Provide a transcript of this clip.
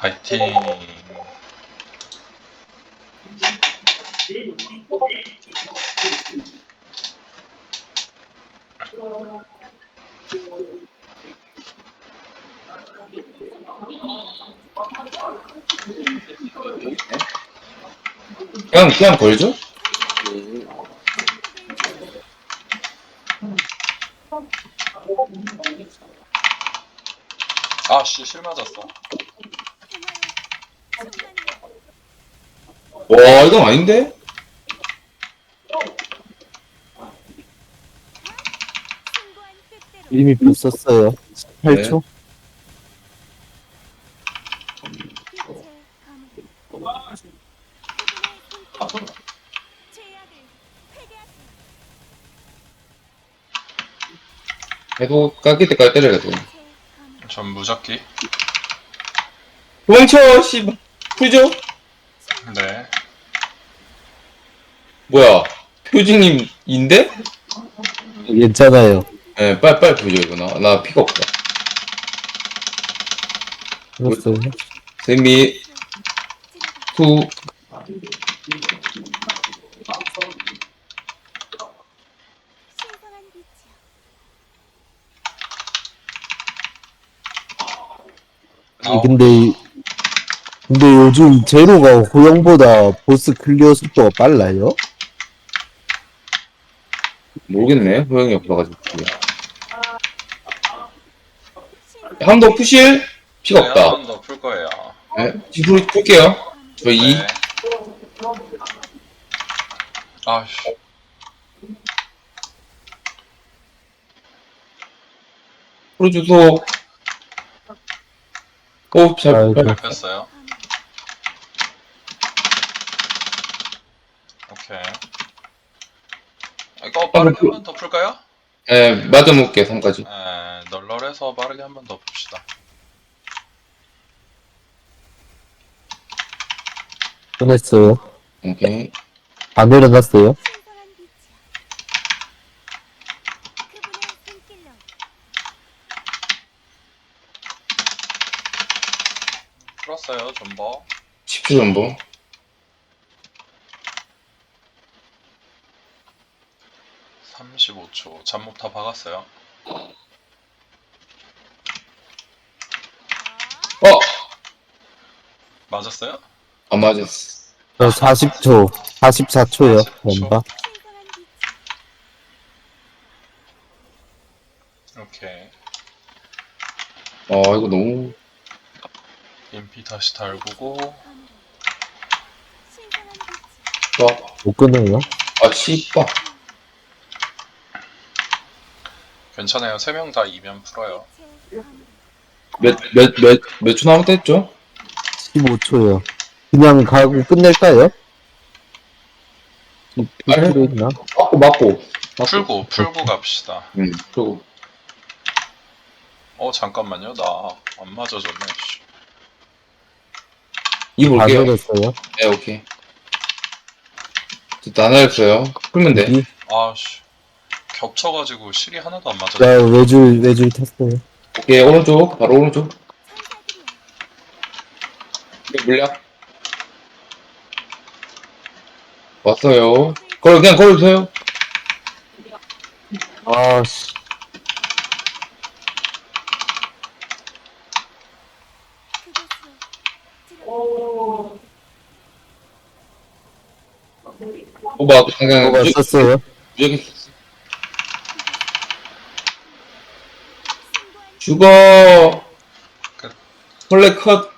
파이팅. 그냥 걸죠? 아씨, 실 맞았어. 와, 이건 아닌데? 이미 붙었어요. 네. 8초? 해도 깎일 때까지 때려야 돼. 전 무적기. 도망쳐, 씨발. 풀죠? 네. 뭐야, 표지님인데? 괜찮아요. 예, 빨리 풀죠, 이거. 나 피가 없다. 풀었어요. 세미, 투, 아홉. 근데 요즘 제로가 호영보다 보스 클리어 속도가 빨라요? 모르겠네. 호영이 없어가지고. 한 번 더 푸실? 피가 네, 없다. 한 번 더 풀 거예요. 네, 지금 풀게요. 저 2. 네. 아씨. 풀어주소. 오, 잘, 아이고. 뺐어요. 오케이. 이거 빠르게 한 번 더 풀까요? 예, 맞아놓을게, 3까지. 널널해서 빠르게 한 번 더 봅시다. 끝냈어요. 오케이. 안 내려놨어요. 풀었어요, 존버. 10초 전보. 35초. 잠못 다 박았어요. 어! 맞았어요? 안 맞았어. 저 40초, 44초요. 44초. 뭔가. 오케이. 이거 너무. 인피 다시 달구고. 좋아. 못 끊어요. 아, 씨발. 괜찮아요. 3명 다 이면 풀어요. 몇 초 남았다 했죠? 15초요. 그냥 가고 끝낼까요? 아니, 필요 있나? 맞고. 풀고 갑시다. 응, 풀고. 잠깐만요. 나 안 맞아졌네. 씨. 2 다 볼게요. 내렸어요. 네, 오케이. 다 내렸어요. 풀면 돼. 여기. 아씨. 겹쳐가지고 실이 하나도 안 맞았어. 자, 외줄 탔어요. 오케이, 오른쪽. 바로 오른쪽. 물량. 왔어요. 그냥 걸어주세요. 아씨. 오바, 그냥. 뭐가 썼어요? 무적이 죽어. 끝. 원래 컷.